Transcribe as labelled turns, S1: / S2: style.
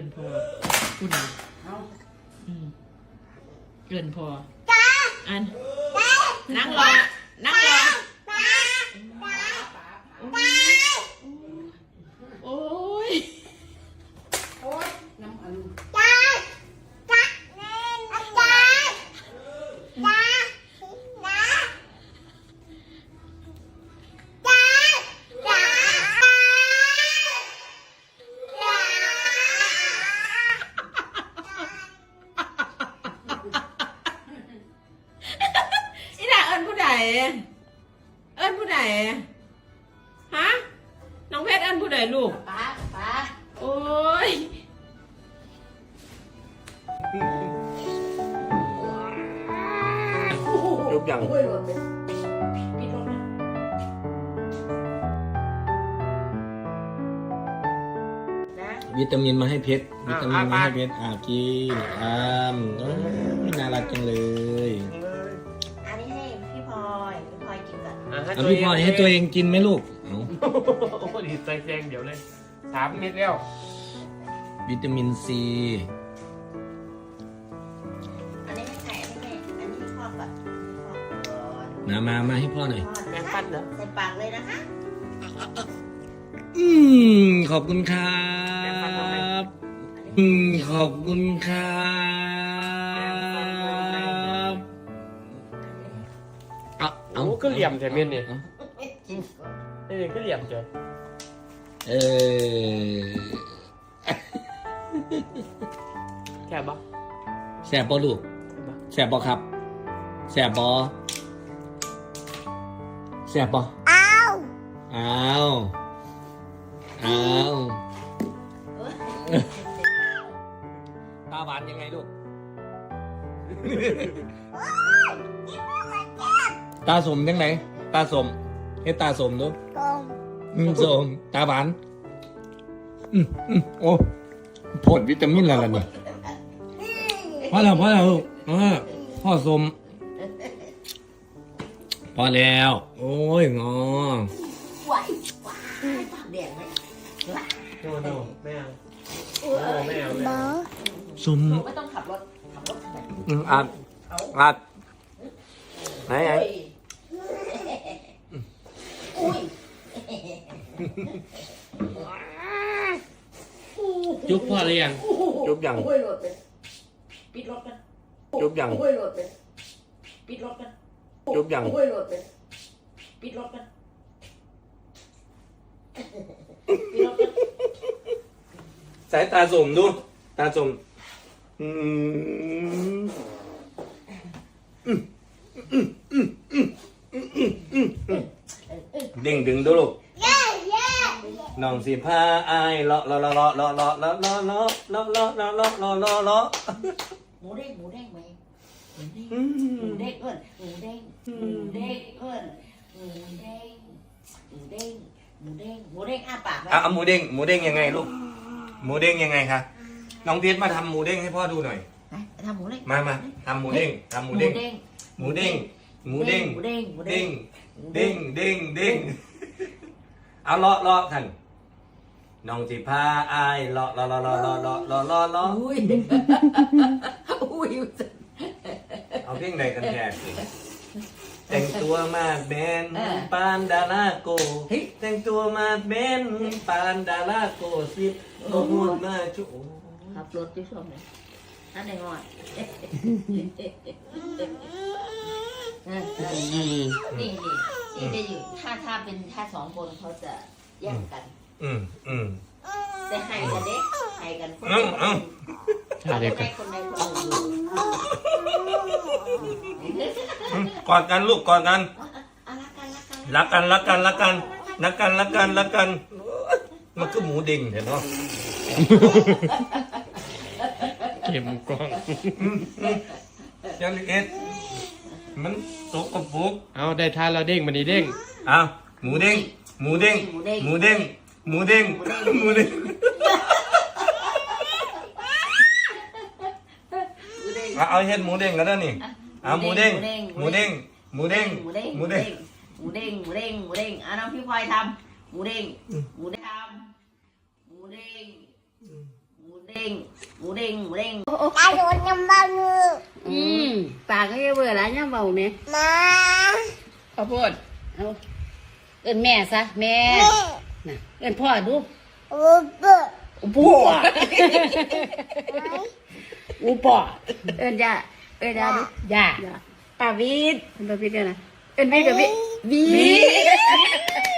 S1: พอคุณเกินพออันนั่งรอนั่งรอโอ้ยน้ำอันอีน่าเอิญผู้ใดฮะน้องเพชรเอิญผู้ใดลูกป้าโอ้ย
S2: ยุบยังวิตามินมาให้เพชรวิตามินมาให้เพชรกินน่ารักจังเลย
S3: อันนี้ให้พี่พลอยกินก่อน
S2: พี่พลอยให้ตัวเองกินไหมลูก
S4: โอ้โหดีใจแดงเดี๋ยวเลย3 เม็ดแล้ว
S2: วิตามินซี
S3: อันนี้ไม่ใส่อันนี้พ่อก่อน
S2: มาให้พ่อหน่อย
S4: แม่ปั้นเหรอ
S3: ใส่ปากเลยนะคะ
S2: ขอบคุณครับขอบคุณครับ
S4: เอาก็เหลี่ยมแต่เม็ดนี่ก็เหลี่ยมจ้ะแซ่บปะ
S2: แสบปะลูกแสบปะครับแสบปะแสบปะอ้าวตาหวานยังไงลูกตาสมยังไงตาสมให้ตาสมดูสมตาหวานโอ้ผลวิตามินอะไรเนี่ยพ่อสมพอแล้วโอ้ยงอ
S3: ว้ายปากแดงไหม
S4: โนไม่เอาไม่เอา
S2: สม
S3: ไม่ต้องขับรถ
S2: อัดไหน
S4: จุ๊บพ่อหรือยัง
S2: จุ๊บยัง
S3: ปิดรถกัน
S2: จุ๊บยัง
S3: ปิดรถกัน
S2: จุ๊บยัง
S3: ปิดรถกัน
S2: สายตาสมดูตาสมดิ่งดึงดูลูกน้องสิพาอายเลาะ
S3: หมูเด้งไหมหมูเด้งเอิ้นหมูเด้งอ้าปากไหม
S2: หมูเด้งยังไงลูกหมูเด้งยังไงคะน้องเพชรมาทำหมูเด้งให้พ่อดูหน่อย
S3: ทำหมูเด้ง
S2: มาทำหมูเด้งเอาเลาะท่านน้องสิพาอายเลาะ
S3: อุ้ย
S2: เอาเพลงใดกันแท้แต่งตัวมาแบนปานดาราโกแต่งตัวมาแบนปานดาราโกสิบโอ้โหมาจุ
S3: ขับรถที่ชมเลยนั่นเองอ่ะนี่จะอยู่ถ้าเป็นถ้า2 คนเขาจะแยกกันแต่ให้กันเด็กให้กันคนใดคนหนึ่ง
S2: กอดกันลูกกอดกันรักกันมันก็หมูดิ่งเห็นเนาะ
S4: เข็มกล้อง
S2: ยังเอ็ดมันตกกระปุก
S4: เอาได้ทานเราเด้งมันนี่เด้ง
S2: หมูเด้งเอาเฮ็ดหมูเด้งกันแล้วนี่หมูเด้ง
S3: น้องพี่พลอยทำหมูเด้งทำหมูเด้งเด้งหมูเด้งหมูเด้ง
S5: ตาโดนยำเบาเนื้อปากก็จะเบื่อแล้วยำเบาเนี่ยมา
S1: ข้าวโพด
S5: เอาเอิ้นแม่ซะแม่น่ะเอิ้นพ่อดู
S1: บัว
S5: อูปอเอิ้นย่าเอิ้นย่าดูย่าป้าวิทย์เอิ้นป้าวิทย์เนี่ยนะเอิ้นวิทย์กับวิทย์